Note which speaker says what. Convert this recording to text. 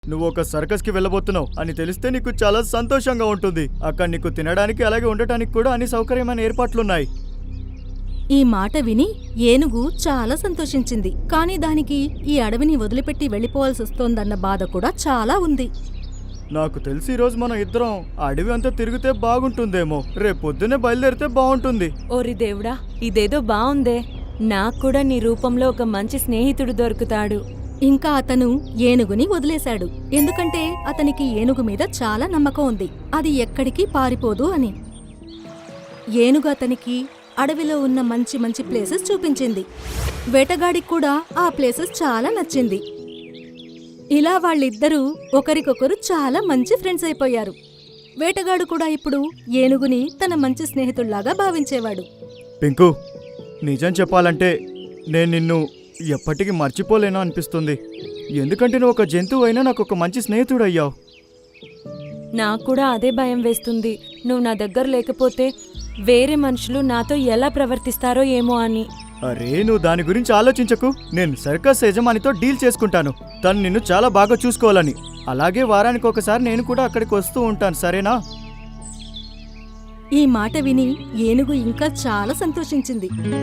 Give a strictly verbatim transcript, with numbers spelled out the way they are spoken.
Speaker 1: నువ్వు ఒక సర్కస్కి వెళ్ళబోతున్నావు అని తెలిస్తే నీకు చాలా సంతోషంగా ఉంటుంది. అక్కడ నీకు తినడానికి అలాగే ఉండటానికి కూడా అన్ని సౌకర్యమైన ఏర్పాట్లున్నాయి.
Speaker 2: ఈ మాట విని ఏనుగు చాలా సంతోషించింది. కాని దానికి ఈ అడవిని వదిలిపెట్టి వెళ్ళిపోవాల్సొస్తోందన్న బాధ కూడా చాలా ఉంది.
Speaker 1: నాకు తెలిసి ఈరోజు మనం ఇద్దరం అడవి అంతా తిరిగితే బాగుంటుందేమో. రేపు పొద్దున్నే బయలుదేరితే బాగుంటుంది.
Speaker 3: ఓరి దేవుడా, ఇదేదో బావుందే. నాకు కూడా నీ రూపంలో ఒక మంచి స్నేహితుడు దొరుకుతాడు.
Speaker 2: ఇంకా అతను ఏనుగుని వదిలేశాడు. ఎందుకంటే అతనికి ఏనుగు మీద చాలా నమ్మకం ఉంది, అది ఎక్కడికి పారిపోదు అని. ఏనుగు అతనికి అడవిలో ఉన్న మంచి మంచి ప్లేసెస్ చూపించింది. వేటగాడికి కూడా ఆ ప్లేసెస్ చాలా నచ్చింది. ఇలా వాళ్ళిద్దరూ ఒకరికొకరు చాలా మంచి ఫ్రెండ్స్ అయిపోయారు. వేటగాడు కూడా ఇప్పుడు ఏనుగుని తన మంచి స్నేహితుల్లాగా భావించేవాడు.
Speaker 1: పింకు, నిజం చెప్పాలంటే నేను నిన్ను ఎప్పటికీ మర్చిపోలేను అనిపిస్తుంది. ఎందుకంటే నువ్వు ఒక జంతువు అయినా నాకు ఒక మంచి స్నేహితుడు అయ్యావు.
Speaker 3: నాకు కూడా అదే భయం వేస్తుంది. నువ్వు నా దగ్గర లేకపోతే వేరే మనుషులు నాతో ఎలా ప్రవర్తిస్తారో ఏమో అని.
Speaker 1: అరే, నువ్వు దాని గురించి ఆలోచించకు. నేను సర్కస్ యజమానితో డీల్ చేసుకుంటాను. తను నిన్ను చాలా బాగా చూసుకోవాలని. అలాగే వారానికి ఒకసారి నేను కూడా అక్కడికి వస్తూ ఉంటాను, సరేనా?
Speaker 2: ఈ మాట విని ఏనుగు ఇంకా చాలా సంతోషించింది.